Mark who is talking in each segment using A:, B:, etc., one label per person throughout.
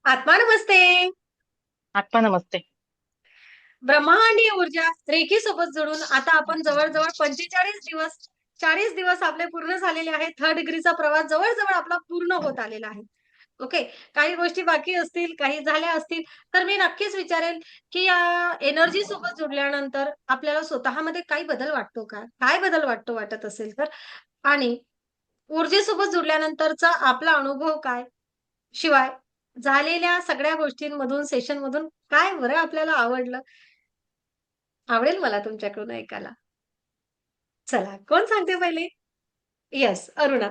A: आत्मा नमस्ते.
B: आत्मा नमस्ते.
A: ब्रह्मांडीय ऊर्जा रेखी सोबत जोडून आता आपण जवळजवळ 45 दिवस 40 दिवस आपले पूर्ण झालेले आहेत. थर्ड डिग्रीचा प्रवास जवळजवळ आपला पूर्ण होत आलेला आहे. ओके. काही गोष्टी बाकी असतील, काही झाल्या असतील, तर मी नक्कीच विचारेल, की या एनर्जी सोबत जोडल्यानंतर आपल्याला स्वतःमध्ये काही बदल वाटतो का? काय बदल वाटत असेल तर? आणि ऊर्जेसोबत जोडल्यानंतरचा आपला अनुभव काय? शिवाय झालेल्या सगळ्या गोष्टींमधून, सेशनमधून काय बरं आपल्याला आवडलं? आवडेल मला तुमच्याकडून ऐकायला. चला, कोण सांगते पहिले? येस, अरुणा.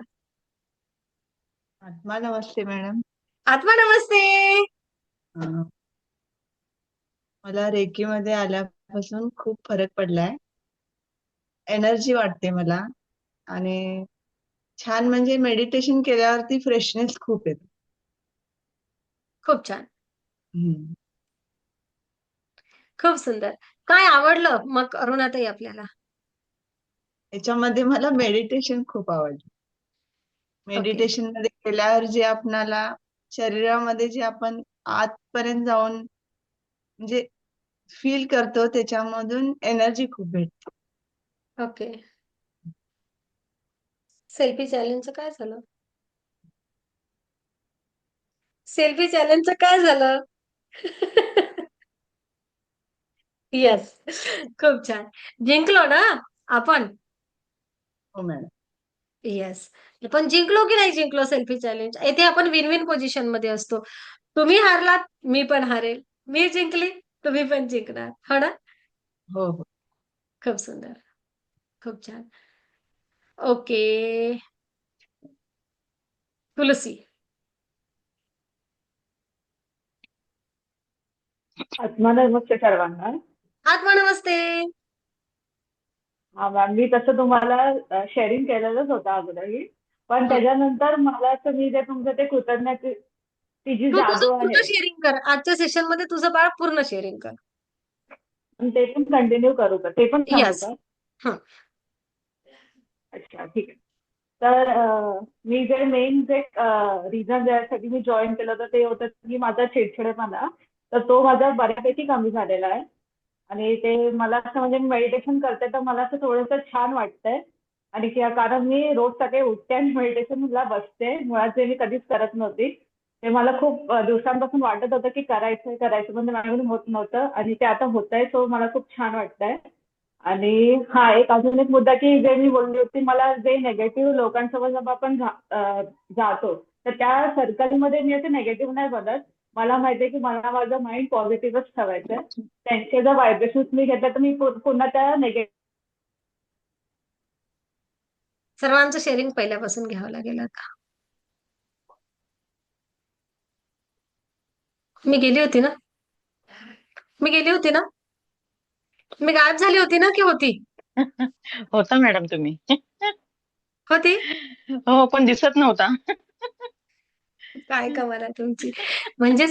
B: आत्मा नमस्ते मॅडम.
A: आत्मा नमस्ते.
B: अं, मला रेकीमध्ये आल्यापासून खूप फरक पडलाय. एनर्जी वाटते मला आणि छान म्हणजे मेडिटेशन केल्यावरती फ्रेशनेस खूप येतो.
A: खूप छान.
B: हम्म.
A: खूप सुंदर. काय आवडलं मग अरुणाताई आपल्याला?
B: याच्यामध्ये मला मेडिटेशन खूप आवडलं.
A: ओके.
B: मेडिटेशन मध्ये केल्यावर जे आपणाला शरीरामध्ये जे आपण आतपर्यंत जाऊन म्हणजे फील करतो त्याच्यामधून एनर्जी खूप भेटते.
A: ओके. सेल्फी चॅलेंजचं काय झालं? सेल्फी चॅलेंजचं काय झालं? येस. खूप छान. जिंकलो ना आपण?
B: हो मॅडम.
A: येस. पण जिंकलो की नाही जिंकलो सेल्फी चॅलेंज? येथे आपण विन-विन पोझिशनमध्ये असतो. तुम्ही हारलात, मी पण हारेल. मी जिंकली, तुम्ही पण जिंकणार. हो ना?
B: हो हो.
A: खूप सुंदर. खूप छान. ओके. तुलसी.
C: आत्मा नमस्ते सर्वांना.
A: आत्मा नमस्ते.
C: हा मॅम, मी तसं तुम्हाला शेअरिंग केलेलंच होतं अगोदरही. पण
A: हं.
C: त्याच्यानंतर मला तुम्ही जे तुमचं ते कृतज्ञते ती जी
A: तू तुझं
C: जादू
A: पूर्ण
C: आहे
A: शेअरिंग कर. आजच्या सेशनमध्ये तुझं बाळ पूर्ण शेअरिंग कर.
C: आणि ते पण कंटिन्यू करू का, ते पण सांगू
A: येस.
C: का?
A: हं.
C: अच्छा, ठीक आहे. तर मी जे मेन जे रिझन ज्यासाठी मी जॉईन केलं होतं ते होतं की माझा चिडचिडेपणा, तर तो माझा बऱ्यापैकी कमी झालेला आहे. आणि ते मला असं म्हणजे मेडिटेशन करते तर मला असं थोडंसं छान वाटतंय. आणि कारण मी रोज सकाळी उठते आणि मेडिटेशनला बसते, मुळात जे मी कधीच करत नव्हती. ते मला खूप दिवसांपासून वाटत होतं की करायचं करायचं, पण ते माझ्याकडून होत नव्हतं आणि ते आता होतंय, सो मला खूप छान वाटतंय. आणि हा एक अजून एक मुद्दा की जे मी बोलली होती, मला जे निगेटिव्ह लोकांसोबत जेव्हा आपण जातो, तर त्या सर्कलमध्ये मी असं निगेटिव्ह नाही बनत. मला माहितीये की मला माझं माइंड पॉझिटिव्हच ठेवायचंय. त्यांचे जर व्हायब्रेशन्स मी घेतले तर मी पुन्हा त्या निगेटिव्ह.
A: सर्वांचं शेअरिंग पहिल्यापासून घ्यावं लागेल आता. मी गेली होती ना? मी गेली होती ना? मी गायब झाली होती ना की होती?
B: होता मॅडम तुम्ही.
A: होती?
B: हो पण दिसत नव्हता.
A: काय कमाल आहे तुमची. म्हणजे